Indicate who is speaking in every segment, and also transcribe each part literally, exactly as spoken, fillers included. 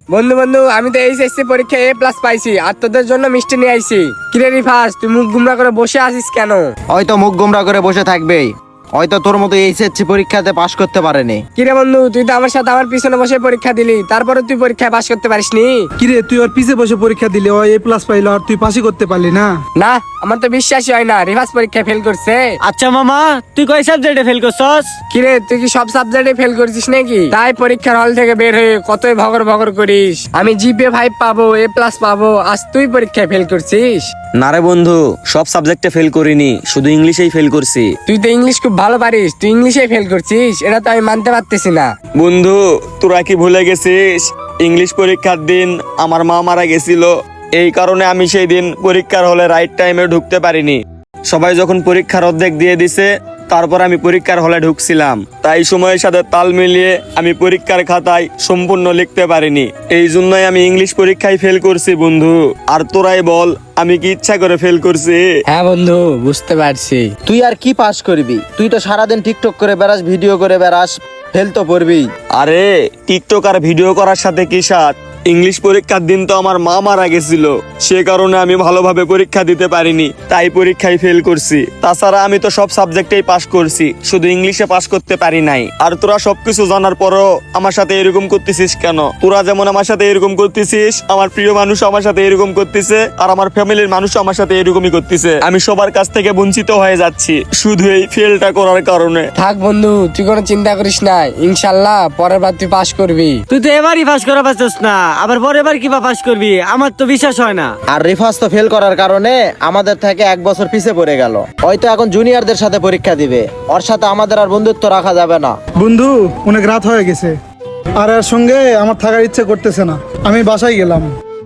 Speaker 1: বন্ধু বন্ধু আমি তো এইচএসসি পরীক্ষায় এ প্লাস পাইছি আর তোদের জন্য মিষ্টি নিয়ে আইছি। কিরে রিফাস তুই মুখ গুমরা করে বসে আছিস কেন?
Speaker 2: হয়তো মুখ গোমরা করে বসে থাকবেই, হয়তো তোর মতো এইচএসসি পরীক্ষাতে পাশ করতে পারেনি।
Speaker 1: কিরে বন্ধু তুই তো আমার সাথে আমার পিছনে বসে পরীক্ষা দিলি, তারপরে তুই পরীক্ষায় পাশ করতে পারিসনি?
Speaker 3: কিরে তুই ওর পিছে বসে পরীক্ষা দিলি, ও এ প্লাস পাইলো আর তুই পাশই করতে পারলি না?
Speaker 1: না আমার তো বিশ্বাসই হয় না রিফাস পরীক্ষায় ফেল করছে।
Speaker 4: আচ্ছা মামা, তুই কয় সাবজেক্টে ফেল করছস?
Speaker 1: কিরে তুই কি সব সাবজেক্টে ফেল করছিস নাকি? তাই পরীক্ষার হল থেকে বের হয়ে কতই ভগর ভগর করিস আমি জিপিএ ফাইভ পাবো, এ প্লাস পাবো, আজ তুই পরীক্ষায় ফেল করছিস।
Speaker 5: না রে বন্ধু, সব সাবজেক্টে ফেল করিনি, শুধু ইংলিশেই ফেল করছি।
Speaker 1: তুই তো ইংলিশ খুব ভালো পারিস, তুই ইংলিশে ফেল করছিস, এটা তো আমি মানতে পারতেছি না।
Speaker 5: বন্ধু তোরা কি ভুলে গেছিস ইংলিশ পরীক্ষার দিন আমার মা মারা গেছিল? এই কারণে আমি সেই দিন পরীক্ষার হলে রাইট টাইমে ঢুকতে পারিনি। সবাই যখন পরীক্ষার অর্ধেক দিয়ে দিছে তারপর আমি পরীক্ষার হলে ঢুকছিলাম, তাই সময়ের সাথে তাল মিলিয়ে আমি পরীক্ষার খাতায় সম্পূর্ণ লিখতে পারিনি। এই জন্যই আমি ইংলিশ পরীক্ষায় ফেল করছি বন্ধু। আর তোরাই বল আমি কি ইচ্ছা করে ফেল করছি?
Speaker 1: হ্যাঁ বন্ধু বুঝতে পারছি।
Speaker 2: তুই আর কি পাস করবি? তুই তো সারাদিন টিকটক করে বেড়াস, ভিডিও করে বেড়াস, ফেল তো করবি।
Speaker 5: আরে টিকটক আর ভিডিও করার সাথে কি সাথ? ইংলিশ পরীক্ষার দিন তো আমার মা মারা গেছিল, সে কারণে আমি ভালোভাবে পরীক্ষা দিতে পারিনি, তাই পরীক্ষায় ফেল করছি। তাছাড়া আমি তো সব সাবজেক্টেই পাস করছি, শুধু ইংলিশে পাস করতে পারি নাই। আর তোরা সবকিছু জানার পরও আমার সাথে এরকম করতেছিস কেন? তোরা যেমন আমার সাথে এরকম করতেছিস, আমার প্রিয় মানুষ আমার সাথে এরকম করতেছে, আর আমার ফ্যামিলির মানুষ আমার সাথে এরকমই করতেছে। আমি সবার কাছ থেকে বঞ্চিত হয়ে যাচ্ছি শুধু এই ফেলটা করার কারণে।
Speaker 1: থাক বন্ধু তুই কোনো চিন্তা করিস না, ইনশাল্লাহ পরের বার তুই পাস করবি।
Speaker 4: তুই তো এবারই পাস করা পারছিস না, আবার পরের বার কিবা পাস করবি? আমার তো বিশ্বাস হয় না।
Speaker 2: আর রিফাস তো ফেল করার কারণে আমাদের থেকে এক বছর পিছে পড়ে গেল। হয়তো এখন জুনিয়রদের সাথে পরীক্ষা দিবে, ওর সাথে আমাদের আর বন্ধুত্ব রাখা যাবে না।
Speaker 3: বন্ধু অনেক রাত হয়ে গেছে, আর এর সঙ্গে আমার থাকার ইচ্ছে করতেছে না, আমি বাসায় গেলাম।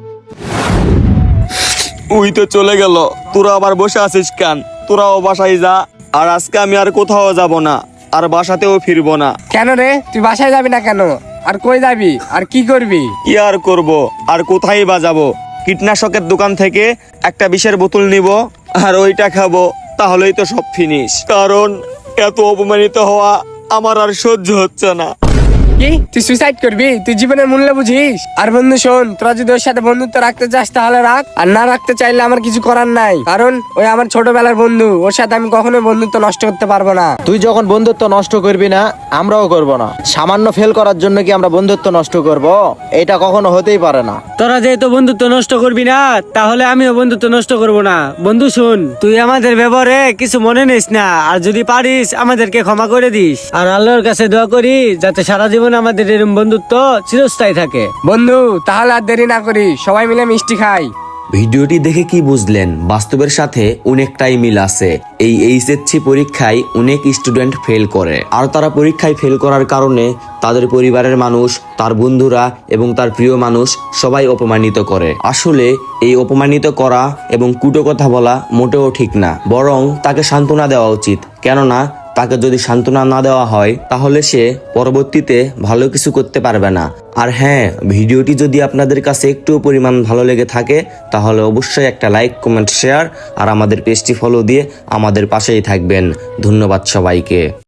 Speaker 5: ওই তো চলে গেল, তোরা আবার বসে আছিস কেন? তোরাও বাসায় যা। আর আজকে আমি আর কোথাও যাব না, আর বাসাতেও ফিরবো না।
Speaker 1: কেন রে তুই বাসায় যাবি না কেন? আর কই যাবি আর কি করবি?
Speaker 5: কি আর করব, আর কোথায় বা যাবো? কীটনাশকের দোকান থেকে একটা বিষের বোতল নিব আর ওইটা খাবো, তাহলেই তো সব ফিনিশ। কারণ এত অপমানিত হওয়া আমার আর সহ্য হচ্ছে না।
Speaker 1: কি তুই সুইসাইড করবি? তুই জীবনের মূল্য বুঝিস? আর বন্ধু শোন, তোরা যদি ওর সাথে বন্ধুত্ব রাখতে চাস তাহলে রাখ, আর না রাখতে চাইলে আমার কিছু করার নাই। কারণ ওই আমার ছোটবেলার বন্ধু, ওর সাথে আমি কখনোই বন্ধুত্ব নষ্ট করতে পারবো না।
Speaker 2: তুই যখন বন্ধুত্ব নষ্ট করবি না, আমরাও করব না। সামান্য ফেল করার জন্য কি আমরা বন্ধুত্ব নষ্ট করব? এটা কখনো হতেই পারে না।
Speaker 4: তোরা যেহেতু বন্ধুত্ব নষ্ট করবি না, তাহলে আমিও বন্ধুত্ব নষ্ট করব না। বন্ধু শুন, তুই আমাদের ব্যবহারে কিছু মনে নিস না, আর যদি পারিস আমাদেরকে ক্ষমা করে দিস। আর আল্লাহর কাছে দোয়া করি যাতে সারা জীবন আমাদের এরকম বন্ধুত্ব চিরস্থায়ী থাকে।
Speaker 1: বন্ধু তাহলে আর দেরি না করি, সবাই মিলে মিষ্টি খাই।
Speaker 6: ভিডিওটি দেখে কি বুঝলেন? বাস্তবের সাথে অনেকটাই মিল আছে। এই এইচএসসি পরীক্ষায় অনেক স্টুডেন্ট ফেল করে, আর তারা পরীক্ষায় ফেল করার কারণে তাদের পরিবারের মানুষ, তার বন্ধুরা এবং তার প্রিয় মানুষ সবাই অপমানিত করে। আসলে এই অপমানিত করা এবং কুটো কথা বলা মোটেও ঠিক না, বরং তাকে সান্ত্বনা দেওয়া উচিত। কেননা তাকে যদি সান্ত্বনা না দেওয়া হয় তাহলে সে পরবর্তীতে ভালো কিছু করতে পারবে না। আর হ্যাঁ, ভিডিওটি যদি আপনাদের কাছে একটু পরিমাণ ভালো লেগে থাকে তাহলে অবশ্যই একটা লাইক, কমেন্ট, শেয়ার আর আমাদের পেজটি ফলো দিয়ে আমাদের পাশেই থাকবেন। ধন্যবাদ সবাইকে।